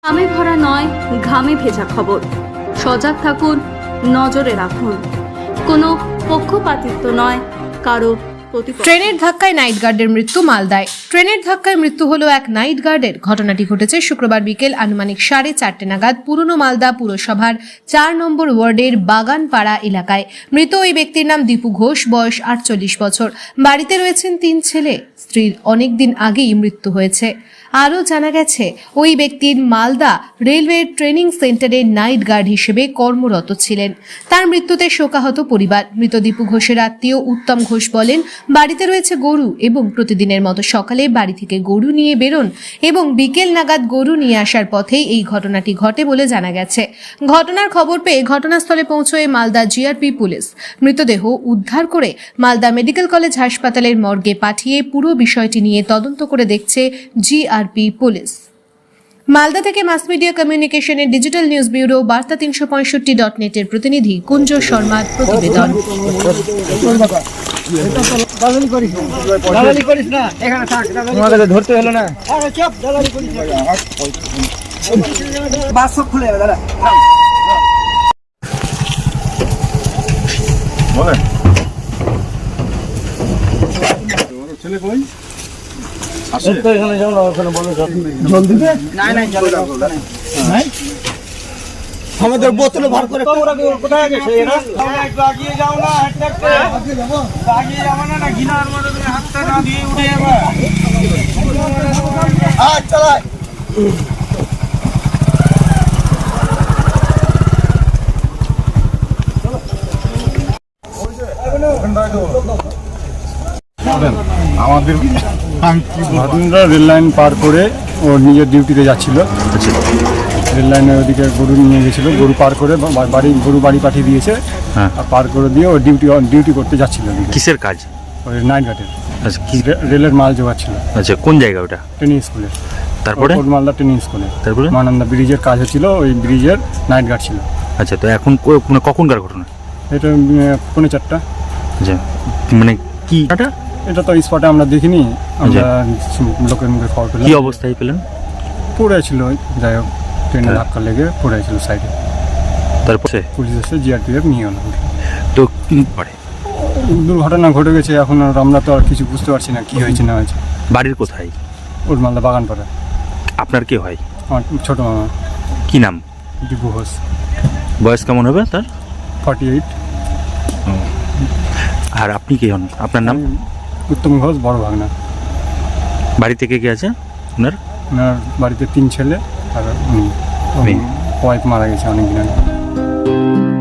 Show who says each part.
Speaker 1: ঘামে ভরা নয়, ঘামে ভেজা খবর। সজাগ থাকুন, নজরে রাখুন। কোনো পক্ষপাতিত্ব নয়, কারো প্রতিপক্ষ।
Speaker 2: ট্রেনের ধাক্কায় নাইট গার্ডের মৃত্যু মালদায়। ট্রেনের ধাক্কায় মৃত্যু হলো এক নাইট গার্ডের। ঘটনাটি ঘটেছে শুক্রবার বিকেল আনুমানিক 4:30 নাগাদ পুরনো মালদা পুরসভার 4 নম্বর ওয়ার্ডের বাগানপাড়া এলাকায়। মৃত ওই ব্যক্তির নাম দীপু ঘোষ, বয়স 48 বছর। বাড়িতে রয়েছেন 3 ছেলে। স্ত্রীর অনেকদিন আগেই মৃত্যু হয়েছে। আরও জানা গেছে, ওই ব্যক্তির মালদা রেলওয়ে ট্রেনিং সেন্টারে নাইট গার্ড হিসেবে কর্মরত ছিলেন। তার মৃত্যুতে শোকাহত পরিবার। মৃত দীপু ঘোষের আত্মীয় উত্তম ঘোষ বলেন, বাড়িতে রয়েছে গরু এবং প্রতিদিনের মতো সকালে বাড়ি থেকে গরু নিয়ে বেরোন এবং বিকেল নাগাদ গরু নিয়ে আসার পথেই এই ঘটনাটি ঘটে বলে জানা গেছে। ঘটনার খবর পেয়ে ঘটনাস্থলে পৌঁছয় মালদা জিআরপি পুলিশ। মৃতদেহ উদ্ধার করে মালদা মেডিকেল কলেজ হাসপাতালের মর্গে পাঠিয়ে পুরো বিষয়টি নিয়ে তদন্ত করে দেখছে জিআরপি পুলিশ। মালদা থেকে মাস মিডিয়া কমিউনিকেশনের ডিজিটাল নিউজ ব্যুরো বার্তা 365.net এর প্রতিনিধি কুঞ্জ শর্মার প্রতিবেদন।
Speaker 3: ধরতে হলো না।
Speaker 4: ছেলে কই?
Speaker 3: আমাদের বোতলে ভর করে
Speaker 4: কোথায় গেছে এরা? আগিয়ে যাও না, আগিয়ে যাবো না, ঘিনার মধ্যে হাতটা না দিয়ে উঠে যাবে।
Speaker 3: চালায়
Speaker 4: আমাদের ভাদুনরা রেল লাইন পার করে ও নিজের ডিউটিতে যাচ্ছিল। রেল লাইনের ওদিকে গরু নিয়ে গেছিল, গরু পার করে গরু বাড়ি পাঠিয়ে দিয়েছে। আর পার করে দিয়ে ও ডিউটি করতে যাচ্ছিল।
Speaker 5: কিসের কাজ?
Speaker 4: ওই নাইট গার্ডের।
Speaker 5: আচ্ছা, কি
Speaker 4: রেলের মাল জোগাচ্ছিল।
Speaker 5: আচ্ছা, কোন জায়গা ওটা?
Speaker 4: ট্রেনিং স্কুলে।
Speaker 5: তারপরে
Speaker 4: মালদা ট্রেনিং স্কুলে।
Speaker 5: তারপরে
Speaker 4: মানন্দা ব্রিজের কাজ হচ্ছিল, ওই ব্রিজের নাইট গার্ড ছিল।
Speaker 5: আচ্ছা, তো এখন কখনকার ঘটনা
Speaker 4: এটা 4:45।
Speaker 5: আচ্ছা, মানে কি
Speaker 4: এটা তো স্পটে আমরা দেখিনি, আমরা লোকের মুখে খবর পেলাম।
Speaker 5: কি অবস্থায় পেলেন?
Speaker 4: পড়ে ছিল, যাই হোক ট্রেনের ধাক্কা লেগে পড়ে ছিল সাইডে।
Speaker 5: তারপরে
Speaker 4: পুলিশ এসে জিআরপিএফ নিয়ে গেল।
Speaker 5: তো কি পরে
Speaker 4: দুর্ঘটনা ঘটে গেছে, এখন আর আমরা তো আর কিছু বুঝতে পারছি না কি হয়েছে না হয়েছে।
Speaker 5: বাড়ির কোথায়?
Speaker 4: ওর মালদা বাগানপাড়া।
Speaker 5: আপনার কে হয়?
Speaker 4: আমার ছোটো মামা।
Speaker 5: কি নাম?
Speaker 4: দীপু ঘোষ।
Speaker 5: বয়স কেমন হবে তার?
Speaker 4: 48।
Speaker 5: আর আপনি কে হন? আপনার নাম?
Speaker 4: উত্তম ঘোষ, বড় ভাগনা।
Speaker 5: বাড়ি থেকে কে আছে ওনার?
Speaker 4: ওনার বাড়িতে 3 ছেলে আর
Speaker 5: মেয়ে।
Speaker 4: ওয়াইফ মারা গেছে অনেকদিন আগে।